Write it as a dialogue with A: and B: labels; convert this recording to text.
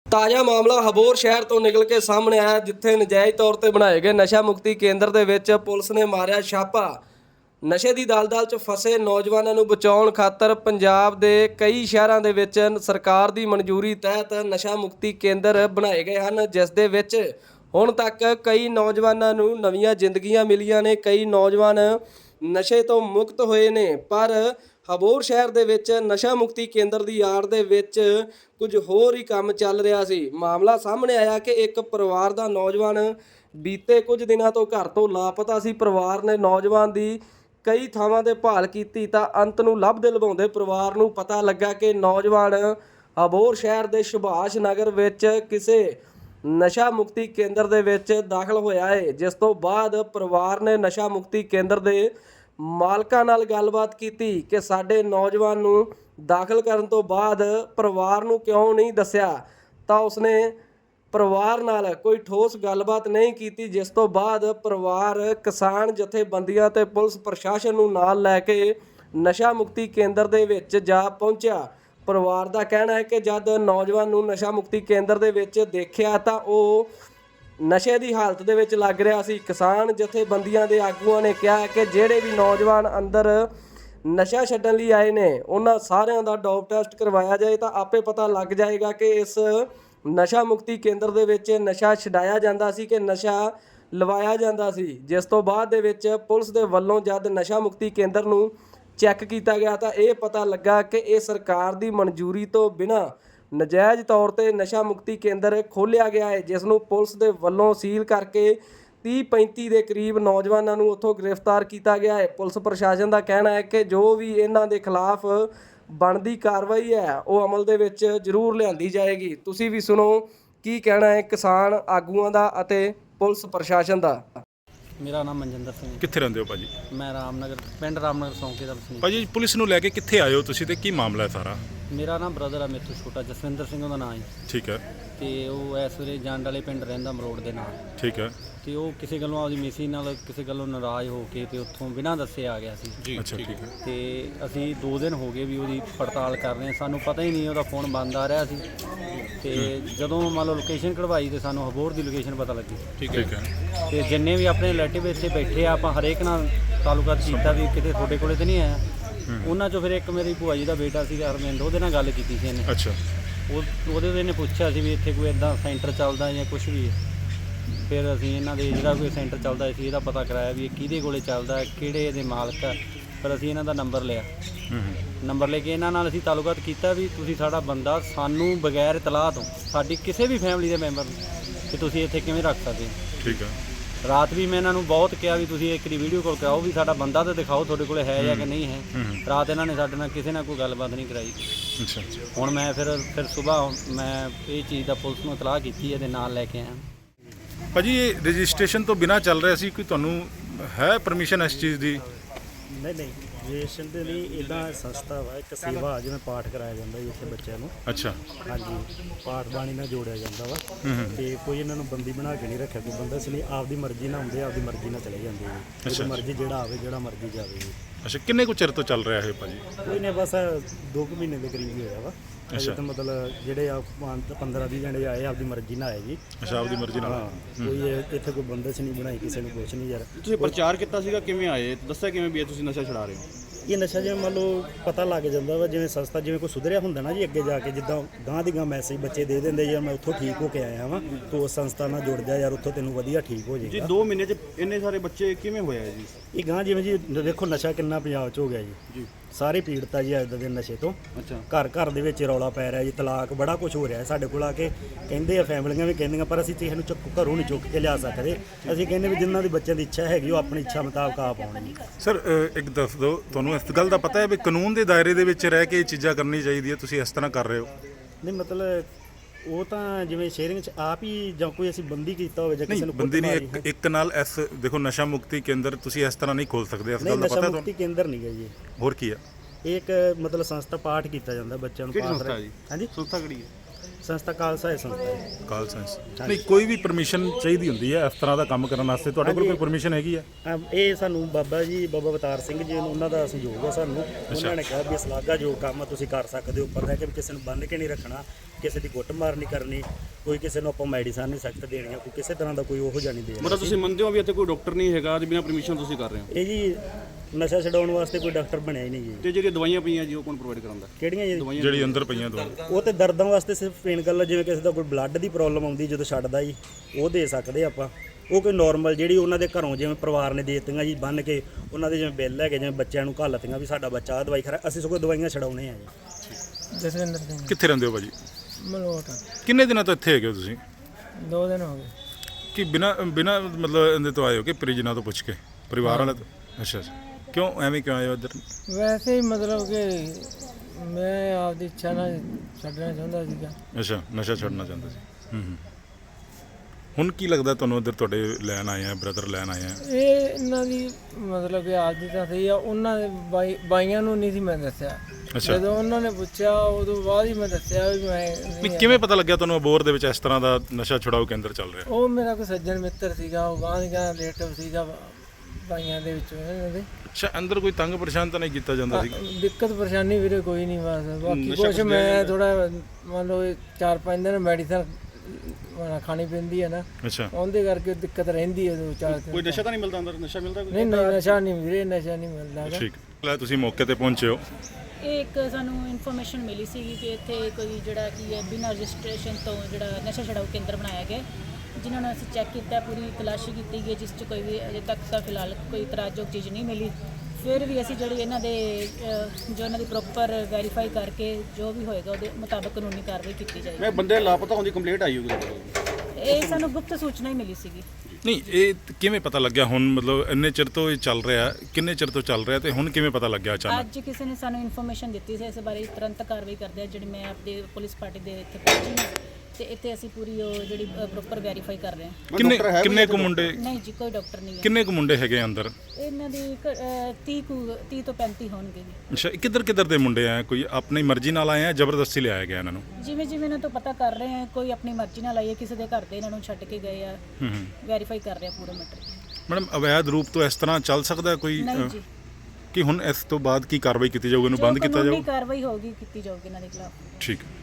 A: ਤਾਜ਼ਾ ਮਾਮਲਾ ਹਬੋਰ ਸ਼ਹਿਰ ਤੋਂ ਨਿਕਲ ਕੇ ਸਾਹਮਣੇ ਆਇਆ, ਜਿੱਥੇ ਨਜਾਇਜ਼ ਤੌਰ ਤੇ ਬਣਾਏ ਗਏ ਨਸ਼ਾ ਮੁਕਤੀ ਕੇਂਦਰ ਦੇ ਵਿੱਚ ਪੁਲਿਸ ਨੇ ਮਾਰਿਆ ਛਾਪਾ। ਨਸ਼ੇ ਦੀ ਦਲਦਲ 'ਚ ਫਸੇ ਨੌਜਵਾਨਾਂ ਨੂੰ ਬਚਾਉਣ ਖਾਤਰ ਪੰਜਾਬ ਦੇ ਕਈ ਸ਼ਹਿਰਾਂ ਦੇ ਵਿੱਚ ਸਰਕਾਰ ਦੀ ਮਨਜ਼ੂਰੀ ਤਹਿਤ ਨਸ਼ਾ ਮੁਕਤੀ ਕੇਂਦਰ ਬਣਾਏ ਗਏ ਹਨ, ਜਿਸ ਦੇ ਵਿੱਚ ਹੁਣ ਤੱਕ ਕਈ ਨੌਜਵਾਨਾਂ ਨੂੰ ਨਵੀਆਂ ਜ਼ਿੰਦਗੀਆਂ ਮਿਲੀਆਂ ਨੇ। ਕਈ ਨੌਜਵਾਨ ਨਸ਼ੇ ਤੋਂ ਮੁਕਤ ਹੋਏ ਨੇ, ਪਰ ਹਬੋਰ ਸ਼ਹਿਰ ਦੇ ਵਿੱਚ ਨਸ਼ਾ ਮੁਕਤੀ ਕੇਂਦਰ ਦੀ ਆੜ ਦੇ ਵਿੱਚ ਕੁਝ ਹੋਰ ਹੀ ਕੰਮ ਚੱਲ ਰਿਹਾ ਸੀ। ਮਾਮਲਾ ਸਾਹਮਣੇ ਆਇਆ ਕਿ ਇੱਕ ਪਰਿਵਾਰ ਦਾ ਨੌਜਵਾਨ ਬੀਤੇ ਕੁਝ ਦਿਨਾਂ ਤੋਂ ਘਰ ਤੋਂ ਲਾਪਤਾ ਸੀ। ਪਰਿਵਾਰ ਨੇ ਨੌਜਵਾਨ ਦੀ ਕਈ ਥਾਵਾਂ ਤੇ ਭਾਲ ਕੀਤੀ ਤਾਂ ਅੰਤ ਨੂੰ ਲੱਭਦੇ ਲਭਾਉਂਦੇ ਪਰਿਵਾਰ ਨੂੰ ਪਤਾ ਲੱਗਾ ਕਿ ਨੌਜਵਾਨ ਹਬੋਰ ਸ਼ਹਿਰ ਦੇ ਸੁਭਾਸ਼ ਨਗਰ ਵਿੱਚ ਕਿਸੇ ਨਸ਼ਾ ਮੁਕਤੀ ਕੇਂਦਰ ਦੇ ਵਿੱਚ ਦਾਖਲ ਹੋਇਆ ਹੈ। ਜਿਸ ਤੋਂ ਬਾਅਦ ਪਰਿਵਾਰ ਨੇ ਨਸ਼ਾ ਮੁਕਤੀ ਕੇਂਦਰ ਦੇ ਮਾਲਕਾਂ ਨਾਲ ਗੱਲਬਾਤ ਕੀਤੀ ਕਿ ਸਾਡੇ ਨੌਜਵਾਨ ਨੂੰ ਦਾਖਲ ਕਰਨ ਤੋਂ ਬਾਅਦ ਪਰਿਵਾਰ ਨੂੰ ਕਿਉਂ ਨਹੀਂ ਦੱਸਿਆ, ਤਾਂ ਉਸਨੇ ਪਰਿਵਾਰ ਨਾਲ ਕੋਈ ਠੋਸ ਗੱਲਬਾਤ ਨਹੀਂ ਕੀਤੀ। ਜਿਸ ਤੋਂ ਬਾਅਦ ਪਰਿਵਾਰ ਕਿਸਾਨ ਜਥੇਬੰਦੀਆਂ ਤੇ ਪੁਲਿਸ ਪ੍ਰਸ਼ਾਸਨ ਨੂੰ ਨਾਲ ਲੈ ਕੇ ਨਸ਼ਾ ਮੁਕਤੀ ਕੇਂਦਰ ਦੇ ਵਿੱਚ ਜਾ ਪਹੁੰਚਿਆ। ਪਰਿਵਾਰ ਦਾ ਕਹਿਣਾ ਹੈ ਕਿ ਜਦ ਨੌਜਵਾਨ ਨੂੰ ਨਸ਼ਾ ਮੁਕਤੀ ਕੇਂਦਰ ਦੇ ਵਿੱਚ ਦੇਖਿਆ ਤਾਂ ਉਹ ਨਸ਼ੇ ਦੀ ਹਾਲਤ ਦੇ ਵਿੱਚ ਲੱਗ ਰਿਹਾ ਸੀ। ਕਿਸਾਨ ਜਥੇਬੰਦੀਆਂ ਦੇ ਆਗੂਆਂ ਨੇ ਕਿਹਾ ਕਿ ਜਿਹੜੇ ਵੀ ਨੌਜਵਾਨ ਅੰਦਰ ਨਸ਼ਾ ਛੱਡਣ ਲਈ ਆਏ ਨੇ, ਉਹਨਾਂ ਸਾਰਿਆਂ ਦਾ ਡੋਪ ਟੈਸਟ ਕਰਵਾਇਆ ਜਾਏ ਤਾਂ ਆਪੇ ਪਤਾ ਲੱਗ ਜਾਏਗਾ ਕਿ ਇਸ ਨਸ਼ਾ ਮੁਕਤੀ ਕੇਂਦਰ ਦੇ ਵਿੱਚ ਨਸ਼ਾ ਛਡਾਇਆ ਜਾਂਦਾ ਸੀ ਕਿ ਨਸ਼ਾ ਲਵਾਇਆ ਜਾਂਦਾ ਸੀ। ਜਿਸ ਤੋਂ ਬਾਅਦ ਦੇ ਵਿੱਚ ਪੁਲਿਸ ਦੇ ਵੱਲੋਂ ਜਦ ਨਸ਼ਾ ਮੁਕਤੀ ਕੇਂਦਰ ਨੂੰ ਚੈੱਕ ਕੀਤਾ ਗਿਆ ਤਾਂ ਇਹ ਪਤਾ ਲੱਗਾ ਕਿ ਇਹ ਸਰਕਾਰ ਦੀ ਮਨਜ਼ੂਰੀ ਤੋਂ ਬਿਨਾਂ ਨਜਾਇਜ਼ ਤੌਰ ਤੇ ਨਸ਼ਾ ਮੁਕਤੀ ਕੇਂਦਰ ਖੋਲ੍ਹਿਆ ਗਿਆ ਹੈ, ਜਿਸ ਨੂੰ ਪੁਲਿਸ ਦੇ ਵੱਲੋਂ ਸੀਲ ਕਰਕੇ 30-35 ਦੇ ਕਰੀਬ ਨੌਜਵਾਨਾਂ ਨੂੰ ਉੱਥੋਂ ਗ੍ਰਿਫਤਾਰ ਕੀਤਾ ਗਿਆ ਹੈ। ਪੁਲਿਸ ਪ੍ਰਸ਼ਾਸਨ ਦਾ ਕਹਿਣਾ ਹੈ ਕਿ ਜੋ ਵੀ ਇਹਨਾਂ ਦੇ ਖਿਲਾਫ ਬਣਦੀ ਕਾਰਵਾਈ ਹੈ ਉਹ ਅਮਲ ਦੇ ਵਿੱਚ ਜ਼ਰੂਰ ਲਿਆਂਦੀ ਜਾਏਗੀ। ਤੁਸੀਂ ਵੀ ਸੁਣੋ ਕੀ ਕਹਿਣਾ ਹੈ ਕਿਸਾਨ ਆਗੂਆਂ ਦਾ ਅਤੇ ਪੁਲਿਸ ਪ੍ਰਸ਼ਾਸਨ ਦਾ।
B: ਮੇਰਾ ਨਾਮ ਮਨਜਿੰਦਰ ਸਿੰਘ ਹੈ।
C: ਕਿੱਥੇ ਰਹਿੰਦੇ ਹੋ ਭਾਜੀ?
B: ਮੈਂ ਰਾਮਨਗਰ ਪਿੰਡ ਰਾਮਨਗਰ ਸੌਂਕੇ ਦਾ ਵਸਨੀਕ।
C: ਭਾਜੀ ਪੁਲਿਸ ਨੂੰ ਲੈ ਕੇ ਕਿੱਥੇ ਆਏ ਹੋ ਤੁਸੀਂ ਤੇ ਕੀ ਮਾਮਲਾ ਹੈ ਸਾਰਾ?
B: ਮੇਰਾ ਨਾਮ ਬ੍ਰਦਰ ਆ, ਮੇਰੇ ਤੋਂ ਛੋਟਾ ਜਸਵਿੰਦਰ ਸਿੰਘ ਉਹਦਾ ਨਾਮ ਹੈ
C: ਠੀਕ ਹੈ।
B: ਤੇ ਉਹ ਇਸ ਵੇਲੇ ਜੰਡ ਵਾਲੇ ਪਿੰਡ ਰਹਿੰਦਾ ਮਰੋੜ ਦੇ ਨਾਲ।
C: ਠੀਕ ਹੈ
B: ਤੇ ਉਹ ਕਿਸੇ ਗੱਲੋਂ ਆਪਦੀ ਮਿਸੀ ਨਾਲ ਕਿਸੇ ਗੱਲੋਂ ਨਾਰਾਜ਼ ਹੋ ਕੇ ਤੇ ਉੱਥੋਂ ਬਿਨਾਂ ਦੱਸੇ ਆ ਗਿਆ ਸੀ।
C: ਜੀ ਅੱਛਾ ਠੀਕ ਹੈ।
B: ਤੇ ਅਸੀਂ 2 ਦਿਨ ਹੋ ਗਏ ਵੀ ਉਹਦੀ ਪੜਤਾਲ ਕਰ ਰਹੇ ਹਾਂ, ਸਾਨੂੰ ਪਤਾ ਹੀ ਨਹੀਂ, ਉਹਦਾ ਫੋਨ ਬੰਦ ਆ ਰਿਹਾ ਸੀ। ਤੇ ਜਦੋਂ ਮੰਨ ਲਓ ਲੋਕੇਸ਼ਨ ਕਢਵਾਈ ਤੇ ਸਾਨੂੰ ਹਬੋਰ ਦੀ ਲੋਕੇਸ਼ਨ ਪਤਾ ਲੱਗੀ।
C: ਠੀਕ ਹੈ।
B: ਤੇ ਜਿੰਨੇ ਵੀ ਆਪਣੇ ਰਿਲੇਟਿਵ ਇੱਥੇ ਬੈਠੇ ਆ, ਆਪਾਂ ਹਰੇਕ ਨਾਲ ਤਾਲੁਕਾਤ ਕੀਤਾ ਵੀ ਕਿਤੇ ਤੁਹਾਡੇ ਕੋਲੇ ਤੇ ਨਹੀਂ ਆਇਆ। ਉਹਨਾਂ 'ਚੋਂ ਫਿਰ ਇੱਕ ਮੇਰੀ ਭੂਆ ਜੀ ਦਾ ਬੇਟਾ ਸੀ ਅਰਵਿੰਦ, ਉਹਦੇ ਨਾਲ ਗੱਲ ਕੀਤੀ ਸੀ ਇਹਨੇ।
C: ਅੱਛਾ।
B: ਉਹਦੇ ਤੋਂ ਇਹਨੇ ਪੁੱਛਿਆ ਸੀ ਵੀ ਇੱਥੇ ਕੋਈ ਇੱਦਾਂ ਸੈਂਟਰ ਚੱਲਦਾ ਜਾਂ ਕੁਝ ਵੀ ਹੈ। ਫਿਰ ਅਸੀਂ ਇਹਨਾਂ ਦੇ ਜਿਹੜਾ ਕੋਈ ਸੈਂਟਰ ਚੱਲਦਾ ਸੀ ਇਹਦਾ ਪਤਾ ਕਰਾਇਆ ਵੀ ਇਹ ਕਿਹਦੇ ਕੋਲੇ ਚੱਲਦਾ, ਕਿਹੜੇ ਇਹਦੇ ਮਾਲਕ ਆ। ਫਿਰ ਅਸੀਂ ਇਹਨਾਂ ਦਾ ਨੰਬਰ ਲਿਆ। ਨੰਬਰ ਲੈ ਕੇ ਇਹਨਾਂ ਨਾਲ ਅਸੀਂ ਤਾਲੁਕਾਤ ਕੀਤਾ ਵੀ ਤੁਸੀਂ ਸਾਡਾ ਬੰਦਾ ਸਾਨੂੰ ਬਗੈਰ ਇਤਲਾਹ ਤੋਂ ਸਾਡੀ ਕਿਸੇ ਵੀ ਫੈਮਿਲੀ ਦੇ ਮੈਂਬਰ ਨੂੰ ਕਿ ਤੁਸੀਂ ਇੱਥੇ ਕਿਵੇਂ ਰੱਖ ਸਕਦੇ ਹੋ। ਠੀਕ ਹੈ। ਰਾਤ ਵੀ ਮੈਂ ਇਹਨਾਂ ਨੂੰ ਬਹੁਤ ਕਿਹਾ ਵੀ ਤੁਸੀਂ ਇੱਕ ਦੀ ਵੀਡੀਓ ਕਾਲ ਕਰਾਓ ਵੀ ਸਾਡਾ ਬੰਦਾ ਤਾਂ ਦਿਖਾਓ ਤੁਹਾਡੇ ਕੋਲ ਹੈ ਜਾਂ ਕਿ ਨਹੀਂ ਹੈ। ਰਾਤ ਇਹਨਾਂ ਨੇ ਸਾਡੇ ਨਾਲ ਕਿਸੇ ਨਾਲ ਕੋਈ ਗੱਲਬਾਤ ਨਹੀਂ ਕਰਾਈ।
C: ਅੱਛਾ।
B: ਹੁਣ ਮੈਂ ਫਿਰ ਸਵੇਰ ਮੈਂ ਇਹ ਚੀਜ਼ ਦਾ ਪੁਲਿਸ ਨੂੰ ਇਤਲਾਹ ਕੀਤੀ ਇਹਦੇ ਨਾਲ ਲੈ ਕੇ ਆਇਆ।
C: ਭਾਜੀ ਇਹ ਰਜਿਸਟ੍ਰੇਸ਼ਨ ਤੋਂ ਬਿਨਾਂ ਚੱਲ ਰਿਹਾ ਸੀ, ਕੋਈ ਤੁਹਾਨੂੰ ਹੈ ਪਰਮਿਸ਼ਨ ਇਸ ਚੀਜ਼ ਦੀ?
D: ਨਹੀਂ ਰਜਿਸਟ੍ਰੇਸ਼ਨ ਦੇ ਲਈ ਇੱਦਾਂ ਸੰਸਥਾ ਵਾ, ਇੱਕ ਸੇਵਾ ਜਿਵੇਂ ਪਾਠ ਕਰਾਇਆ ਜਾਂਦਾ ਜੀ ਇੱਥੇ ਬੱਚਿਆਂ ਨੂੰ।
C: ਅੱਛਾ।
D: ਹਾਂਜੀ, ਪਾਠ ਬਾਣੀ ਨਾਲ ਜੋੜਿਆ ਜਾਂਦਾ ਵਾ। ਤੇ ਕੋਈ ਇਹਨਾਂ ਨੂੰ ਬੰਦੀ ਬਣਾ ਕੇ ਨਹੀਂ ਰੱਖਿਆ, ਕੋਈ ਬੰਦਾ ਇਸ ਲਈ ਆਪਦੀ ਮਰਜ਼ੀ ਨਾਲ ਆਉਂਦੇ, ਆਪਦੀ ਮਰਜ਼ੀ ਨਾਲ ਚਲੇ ਜਾਂਦੇ ਜੀ। ਜਦੋਂ ਮਰਜ਼ੀ ਜਿਹੜਾ ਆਵੇ, ਜਿਹੜਾ ਮਰਜ਼ੀ ਜਾਵੇ ਜੀ।
C: ਅੱਛਾ, ਕਿੰਨੇ ਕੁ ਚਿਰ ਤੋਂ ਚੱਲ ਰਿਹਾ ਇਹ ਭਾਜੀ?
D: ਕੋਈ ਨੇ ਬਸ 2 ਮਹੀਨੇ ਦੇ ਕਰੀਬ ਹੀ ਹੋਇਆ ਵਾ। ਅੱਛਾ। ਤਾਂ ਮਤਲਬ ਜਿਹੜੇ ਆ 15-20 ਜਣੇ ਆਏ ਆਪਦੀ ਮਰਜ਼ੀ ਨਾਲ ਆਏ ਜੀ।
C: ਅੱਛਾ, ਆਪਦੀ ਮਰਜ਼ੀ ਨਾਲ।
D: ਕੋਈ ਇੱਥੇ ਕੋਈ ਬੰਦਸ਼ ਨਹੀਂ ਬਣਾਈ ਕਿਸੇ ਨੂੰ, ਕੁਛ ਨਹੀਂ ਯਾਰ।
E: ਤੁਸੀਂ ਪ੍ਰਚਾਰ ਕੀਤਾ ਸੀਗਾ, ਕਿਵੇਂ ਆਏ? ਦੱਸਿਆ ਕਿਵੇਂ ਵੀ ਤੁਸੀਂ ਨਸ਼ਾ ਛੁਡਾ ਰਹੇ ਹੋ?
D: ਇਹ ਨਸ਼ਾ ਜਿਵੇਂ ਮੰਨ ਲਓ ਪਤਾ ਲੱਗ ਜਾਂਦਾ ਵਾ, ਜਿਵੇਂ ਸੰਸਥਾ ਜਿਵੇਂ ਕੋਈ ਸੁਧਰਿਆ ਹੁੰਦਾ ਨਾ ਜੀ, ਅੱਗੇ ਜਾ ਕੇ ਜਿੱਦਾਂ ਗਾਂ ਦੀ ਗਾਂ ਮੈਸੇਜ ਬੱਚੇ ਦੇ ਦਿੰਦੇ ਯਾਰ ਮੈਂ ਉੱਥੋਂ ਠੀਕ ਹੋ ਕੇ ਆਇਆ ਵਾਂ, ਤੂੰ ਉਸ ਸੰਸਥਾ ਨਾਲ ਜੁੜ ਜਾ ਯਾਰ, ਉੱਥੋਂ ਤੈਨੂੰ ਵਧੀਆ ਠੀਕ ਹੋ
E: ਜੀ।
D: ਜਾਏਗਾ।
E: 2 ਮਹੀਨੇ 'ਚ ਇੰਨੇ ਸਾਰੇ ਬੱਚੇ ਕਿਵੇਂ ਹੋਇਆ ਜੀ?
D: ਇਹ ਗਾਂ ਜਿਵੇਂ ਜੀ ਦੇਖੋ ਨਸ਼ਾ ਕਿੰਨਾ ਪੰਜਾਬ 'ਚ ਹੋ ਗਿਆ ਜੀ। ਸਾਰੇ ਪੀੜਤ ਆ ਜੀ ਅੱਜ ਦੇ ਨਸ਼ੇ ਤੋਂ।
E: ਅੱਛਾ।
D: ਘਰ ਦੇ ਵਿੱਚ ਰੌਲਾ ਪੈ ਰਿਹਾ ਜੀ, ਤਲਾਕ ਬੜਾ ਕੁਝ ਹੋ ਰਿਹਾ। ਸਾਡੇ ਕੋਲ ਆ ਕੇ ਕਹਿੰਦੇ ਆ, ਫੈਮਲੀਆਂ ਵੀ ਕਹਿੰਦੀਆਂ, ਪਰ ਅਸੀਂ ਕਿਸੇ ਨੂੰ ਘਰੋਂ ਨਹੀਂ ਚੁੱਕ ਕੇ ਲਿਆ ਸਕਦੇ। ਅਸੀਂ ਕਹਿੰਦੇ ਵੀ ਜਿਨ੍ਹਾਂ ਦੀ ਬੱਚਿਆਂ ਦੀ ਇੱਛਾ ਹੈਗੀ ਉਹ ਆਪਣੀ ਇੱਛਾ ਮੁਤਾਬਕ ਆਪ ਆਉਣ ਜੀ।
C: ਸਰ ਇੱਕ ਦੱਸ ਦਿਓ, ਤੁਹਾਨੂੰ ਇਸ ਗੱਲ ਦਾ ਪਤਾ ਹੈ ਵੀ ਕਾਨੂੰਨ ਦੇ ਦਾਇਰੇ ਦੇ ਵਿੱਚ ਰਹਿ ਕੇ ਇਹ ਚੀਜ਼ਾਂ ਕਰਨੀ ਚਾਹੀਦੀ ਹੈ, ਤੁਸੀਂ ਇਸ ਤਰ੍ਹਾਂ ਕਰ ਰਹੇ ਹੋ?
D: ਨਹੀਂ ਮਤਲਬ ਉਹ ਤਾਂ ਜਿਵੇਂ ਸ਼ੇਅਰਿੰਗ 'ਚ ਆਪ ਹੀ ਜਾਂ ਕੋਈ ਅਸੀਂ ਬੰਦੀ ਕੀਤਾ ਹੋਵੇ ਜਾਂ ਕਿਸੇ ਨੂੰ
C: ਬੰਦੀ ਨਹੀਂ, ਇੱਕ ਨਾਲ ਇਸ ਦੇਖੋ ਨਸ਼ਾ ਮੁਕਤੀ ਕੇਂਦਰ ਤੁਸੀਂ ਇਸ ਤਰ੍ਹਾਂ ਨਹੀਂ ਖੋਲ ਸਕਦੇ, ਇਸ ਗੱਲ ਦਾ ਪਤਾ
D: ਨਸ਼ਾ
C: ਤੁਹਾਨੂੰ?
D: ਮੁਕਤੀ ਕੇਂਦਰ ਨਹੀਂ ਹੈ ਜੀ।
C: ਹੋਰ ਕੀ ਹੈ?
D: ਇਹ ਇੱਕ ਮਤਲਬ ਸੰਸਥਾ ਪਾਠ ਕੀਤਾ ਜਾਂਦਾ ਬੱਚਿਆਂ ਨੂੰ।
E: ਕਿਹੜੀ ਸੰਸਥਾ ਜੀ?
D: ਹਾਂਜੀ,
E: ਸੰਸਥਾ ਕਿਹੜੀ ਹੈ?
D: ਸੰਸਥਾ ਖਾਲਸਾ ਹੈ ਸੰਸਥਾ ਹੈ।
C: ਖਾਲਸਾ ਨਹੀਂ, ਕੋਈ ਵੀ ਪਰਮਿਸ਼ਨ ਚਾਹੀਦੀ ਹੁੰਦੀ ਹੈ ਇਸ ਤਰ੍ਹਾਂ ਦਾ ਕੰਮ ਕਰਨ ਵਾਸਤੇ, ਤੁਹਾਡੇ ਕੋਲ ਕੋਈ ਪਰਮਿਸ਼ਨ ਹੈਗੀ ਹੈ?
D: ਇਹ ਸਾਨੂੰ ਬਾਬਾ ਅਵਤਾਰ ਸਿੰਘ ਜੀ ਨੂੰ ਉਹਨਾਂ ਦਾ ਸਹਿਯੋਗ ਹੈ ਸਾਨੂੰ। ਉਹਨਾਂ ਨੇ ਕਿਹਾ ਵੀ ਸਲਾਘਾ ਜੋ ਕੰਮ ਆ ਤੁਸੀਂ ਕਰ ਸਕਦੇ ਹੋ, ਉੱਪਰ ਰਹਿ ਕੇ ਵੀ ਕਿਸੇ ਨੂੰ ਬੰਨ੍ਹ ਕੇ ਨਹੀਂ ਰੱਖਣਾ, ਕਿਸੇ ਦੀ ਗੁੱਟ ਮਾਰ ਨਹੀਂ ਕਰਨੀ, ਕੋਈ ਕਿਸੇ ਨੂੰ ਆਪਾਂ ਮੈਡੀਸਨ ਨਹੀਂ ਸਖਤ ਦੇਣੀਆਂ, ਕੋਈ ਕਿਸੇ ਤਰ੍ਹਾਂ ਦਾ ਕੋਈ ਉਹੋ ਜਿਹਾ ਨਹੀਂ ਦੇਣਾ।
E: ਮਤਲਬ ਤੁਸੀਂ ਮੰਨਦੇ ਹੋ ਵੀ ਇੱਥੇ ਕੋਈ ਡਾਕਟਰ ਨਹੀਂ ਹੈਗਾ ਤੇ ਬਿਨਾਂ ਪਰਮਿਸ਼ਨ ਤੁਸੀਂ ਕਰ ਰਹੇ ਹੋ?
D: ਇਹ ਜੀ ਨਸ਼ਾ ਛਡਾਉਣ ਵਾਸਤੇ ਕੋਈ ਡਾਕਟਰ ਬਣਿਆ ਹੀ ਨਹੀਂ ਜੀ।
E: ਤੇ ਜਿਹੜੀਆਂ ਦਵਾਈਆਂ ਪਈਆਂ ਜੀ ਉਹ ਕੌਣ ਪ੍ਰੋਵਾਈਡ ਕਰਾਉਂਦਾ?
D: ਕਿਹੜੀਆਂ ਜੀ?
C: ਜਿਹੜੀ ਅੰਦਰ ਪਈਆਂ ਦਵਾਈਆਂ
D: ਉਹ ਤੇ ਦਰਦਾਂ ਵਾਸਤੇ ਸਿਰਫ ਪੇਨ ਕਿਲਰ, ਜਿਵੇਂ ਕਿਸੇ ਦਾ ਕੋਈ ਬਲੱਡ ਦੀ ਪ੍ਰੋਬਲਮ ਆਉਂਦੀ ਜਦੋਂ ਛੱਡਦਾ ਜੀ, ਉਹ ਦੇ ਸਕਦੇ ਆਪਾਂ। ਉਹ ਕੋਈ ਨਾਰਮਲ ਜਿਹੜੀ ਉਹਨਾਂ ਦੇ ਘਰੋਂ ਜਿਵੇਂ ਪਰਿਵਾਰ ਨੇ ਦੇ ਦਿੱਤੀਆਂ ਜੀ ਬੰਨ੍ਹ ਕੇ, ਉਹਨਾਂ ਦੇ ਜਿਵੇਂ ਬਿੱਲ ਹੈਗੇ, ਜਿਵੇਂ ਬੱਚਿਆਂ ਨੂੰ ਘੱਲਤੀਆਂ ਵੀ ਸਾਡਾ ਬੱਚਾ ਆਹ ਦਵਾਈ ਖਾ, ਅਸੀਂ ਸਗੋਂ ਦਵਾਈਆਂ ਛਡਾਉਣੇ ਆ ਜੀ।
F: ਜਸਵਿੰਦਰ ਸਿੰਘ
C: ਕਿੱਥੇ ਰਹਿੰਦੇ ਹੋ ਭਾਜੀ?
F: ਮਲੋਟ।
C: ਕਿੰਨੇ ਦਿਨਾਂ ਤੋਂ ਇੱਥੇ ਹੈਗੇ ਹੋ ਤੁਸੀਂ?
F: 2 ਦਿਨ ਹੋ ਗਏ।
C: ਕਿ ਬਿਨਾ ਮਤਲਬ ਇਹਦੇ ਤੋਂ ਆਏ ਹੋ ਕਿ ਪ੍ਰੀਜਨਾਂ ਤੋਂ ਪੁੱਛ ਕੇ, ਪਰਿਵਾਰ ਵਾਲੇ ਤੋਂ? ਅੱਛਾ ਅੱਛਾ, ਕਿਉਂ ਐਵੇਂ ਕਿਉਂ ਆਏ ਹੋ ਇੱਧਰ?
F: ਵੈਸੇ ਹੀ ਮਤਲਬ ਕਿ ਮੈਂ ਆਪਦੀ ਇੱਛਾ ਨਾਲ ਛੱਡਣਾ ਚਾਹੁੰਦਾ ਸੀਗਾ।
C: ਅੱਛਾ, ਨਸ਼ਾ ਛੱਡਣਾ ਚਾਹੁੰਦੇ ਸੀ। ਹੁਣ ਕੀ ਲੱਗਦਾ ਤੁਹਾਨੂੰ ਇੱਧਰ ਤੁਹਾਡੇ ਲੈਣ ਆਏ ਆ, ਬ੍ਰਦਰ ਲੈਣ ਆਏ ਆ?
F: ਇਹ ਇਹਨਾਂ ਦੀ ਮਤਲਬ ਕਿ ਆਪਦੀ ਤਾਂ ਸਹੀ ਆ, ਉਹਨਾਂ ਦੇ ਬਾਈਆਂ ਨੂੰ ਨਹੀਂ ਸੀ ਮੈਂ ਦੱਸਿਆ।
C: ਅੱਛਾ,
F: ਜਦੋਂ ਉਹਨਾਂ ਨੇ ਪੁੱਛਿਆ ਉਦੋਂ ਬਾਅਦ ਹੀ ਮੈਂ ਦੱਸਿਆ ਵੀ ਮੈਂ
C: ਵੀ ਕਿਵੇਂ ਪਤਾ ਲੱਗਿਆ ਤੁਹਾਨੂੰ ਅਬੋਹਰ ਦੇ ਵਿੱਚ ਇਸ ਤਰ੍ਹਾਂ ਦਾ ਨਸ਼ਾ ਛੁਡਾਊ ਕੇਂਦਰ ਚੱਲ ਰਿਹਾ?
F: ਉਹ ਮੇਰਾ ਕੋਈ ਸੱਜਣ ਮਿੱਤਰ ਸੀਗਾ, ਉਹ ਗਾਂ ਦੀ ਗਾਂ ਰਿਲੇਟਿਵ ਸੀਗਾ ਬਾਈਆਂ ਦੇ ਵਿੱਚੋਂ ਇਹਨਾਂ ਦੇ।
C: ਅੱਛਾ, ਅੰਦਰ ਕੋਈ ਤੰਗ ਪਰੇਸ਼ਾਨ ਤਾਂ ਨਹੀਂ ਕੀਤਾ ਜਾਂਦਾ ਸੀ?
F: ਦਿੱਕਤ ਪਰੇਸ਼ਾਨੀ ਵੀਰੇ ਕੋਈ ਨਹੀਂ, ਬਸ ਬਾਕੀ ਕੁਛ ਮੈਂ ਥੋੜਾ ਮੰਨ ਲਓ 4-5 ਦਿਨ ਮੈਡੀਸਨ ਖਾਣੀ ਪੈਂਦੀ ਹੈ ਨਾ,
C: ਅੱਛਾ,
F: ਉਹਦੇ ਕਰਕੇ ਦਿੱਕਤ ਰਹਿੰਦੀ ਹੈ 2-4 ਦਿਨ।
E: ਕੋਈ ਨਸ਼ਾ ਤਾਂ ਨਹੀਂ ਮਿਲਦਾ ਅੰਦਰ? ਨਸ਼ਾ ਮਿਲਦਾ ਕੋਈ?
F: ਨਹੀਂ ਨਸ਼ਾ ਨਹੀਂ ਵੀਰੇ, ਨਸ਼ਾ ਨਹੀਂ ਮਿਲਦਾ ਗਾ।
C: ਠੀਕ ਲੈ, ਤੁਸੀਂ ਮੌਕੇ ਤੇ ਪਹੁੰਚੇ ਹੋ।
G: ਇਹ ਇੱਕ ਸਾਨੂੰ ਇਨਫੋਰਮੇਸ਼ਨ ਮਿਲੀ ਸੀਗੀ ਕਿ ਇੱਥੇ ਕੋਈ ਜਿਹੜਾ ਕੀ ਹੈ ਬਿਨਾਂ ਰਜਿਸਟ੍ਰੇਸ਼ਨ ਤੋਂ ਜਿਹੜਾ ਨਸ਼ਾ ਛਡਾਊ ਕੇਂਦਰ ਬਣਾਇਆ ਗਿਆ, ਜਿਨ੍ਹਾਂ ਨੂੰ ਅਸੀਂ ਚੈੱਕ ਕੀਤਾ, ਪੂਰੀ ਤਲਾਸ਼ੀ ਕੀਤੀ ਗਈ, ਜਿਸ 'ਚ ਕੋਈ ਵੀ ਅਜੇ ਤੱਕ ਤਾਂ ਫਿਲਹਾਲ ਕੋਈ ਇਤਰਾਜ਼ਯੋਗ ਚੀਜ਼ ਨਹੀਂ ਮਿਲੀ। ਫਿਰ ਵੀ ਅਸੀਂ ਜਿਹੜੀ ਇਹਨਾਂ ਦੇ ਜੋ ਇਹਨਾਂ ਦੀ ਪ੍ਰੋਪਰ ਵੈਰੀਫਾਈ ਕਰਕੇ ਜੋ ਵੀ ਹੋਏਗਾ ਉਹਦੇ ਮੁਤਾਬਕ ਕਾਨੂੰਨੀ ਕਾਰਵਾਈ ਕੀਤੀ ਜਾਏਗੀ।
E: ਮੈਂ ਬੰਦੇ ਲਾਪਤਾ ਹੋਣ ਦੀ ਕੰਪਲੇਂਟ ਆਈ ਹੋਊਗੀ?
G: ਇਹ ਸਾਨੂੰ ਗੁਪਤ ਸੂਚਨਾ ਹੀ ਮਿਲੀ ਸੀਗੀ।
C: ਨਹੀਂ, ਇਹ ਕਿਵੇਂ ਪਤਾ ਲੱਗਿਆ ਹੁਣ? ਮਤਲਬ ਇੰਨੇ ਚਿਰ ਤੋਂ ਇਹ ਚੱਲ ਰਿਹਾ, ਕਿੰਨੇ ਚਿਰ ਤੋਂ ਚੱਲ ਰਿਹਾ ਤੇ ਹੁਣ ਕਿਵੇਂ ਪਤਾ ਲੱਗਿਆ ਅਚਾਨਕ?
G: ਅੱਜ ਕਿਸੇ ਨੇ ਸਾਨੂੰ ਇਨਫੋਰਮੇਸ਼ਨ ਦਿੱਤੀ ਸੀ ਇਸ ਬਾਰੇ, ਤੁਰੰਤ ਕਾਰਵਾਈ ਕਰਦੇ ਆ। ਜਿਹੜੀ ਮੈਂ ਆਪਦੇ ਪੁਲਿਸ ਪਾਰਟੀ ਦੇ ਇੱਥੇ ਪਹੁੰਚੀ ਹਾਂ ਤੇ ਇੱਥੇ ਅਸੀਂ ਪੂਰੀ ਉਹ ਜਿਹੜੀ ਪ੍ਰੋਪਰ ਵੈਰੀਫਾਈ ਕਰ ਰਹੇ ਹਾਂ।
C: ਕਿੰਨੇ ਕੁ ਮੁੰਡੇ?
G: ਨਹੀਂ ਜੀ, ਕੋਈ ਡਾਕਟਰ ਨਹੀਂ ਹੈ।
C: ਕਿੰਨੇ ਕੁ ਮੁੰਡੇ ਹੈਗੇ ਅੰਦਰ?
G: ਇਹਨਾਂ ਦੀ 30 ਤੋਂ 35 ਹੋਣਗੇ ਜੀ।
C: ਅੱਛਾ, ਕਿੱਧਰ ਦੇ ਮੁੰਡੇ ਆ? ਕੋਈ ਆਪਣੀ ਮਰਜ਼ੀ ਨਾਲ ਆਏ ਆ, ਜ਼ਬਰਦਸਤੀ ਲਿਆਇਆ ਗਿਆ ਇਹਨਾਂ ਨੂੰ?
G: ਜਿਵੇਂ ਇਹਨਾਂ ਤੋਂ ਪਤਾ ਕਰ ਰਹੇ ਆ, ਕੋਈ ਆਪਣੀ ਮਰਜ਼ੀ ਨਾਲ ਆਈ ਹੈ, ਕਿਸੇ ਦੇ ਘਰ ਦੇ ਇਹਨਾਂ ਨੂੰ ਛੱਡ ਕੇ ਗਏ ਆ। ਵੈਰੀਫਾਈ ਕਰ ਰਹੇ ਆ ਪੂਰਾ ਮੈਟਰ।
C: ਮੈਡਮ, ਅਵੈਧ ਰੂਪ ਤੋਂ ਇਸ ਤਰ੍ਹਾਂ ਚੱਲ ਸਕਦਾ ਕੋਈ?
G: ਨਹੀਂ ਜੀ,
C: ਕਿ ਹੁਣ ਇਸ ਤੋਂ ਬਾਅਦ ਕੀ ਕਾਰਵਾਈ ਕੀਤੀ ਜਾਊਗੀ? ਇਹਨੂੰ ਬੰਦ ਕੀਤਾ
G: ਕਾਨੂੰਨੀ
C: ਜਾਊਗਾ?
G: ਕਾਰਵਾਈ ਹੋਊਗੀ, ਕੀਤੀ ਜਾਊਗੀ ਇਹਨਾਂ ਦੇ ਖਿਲਾਫ।
C: ਠੀਕ ਹੈ।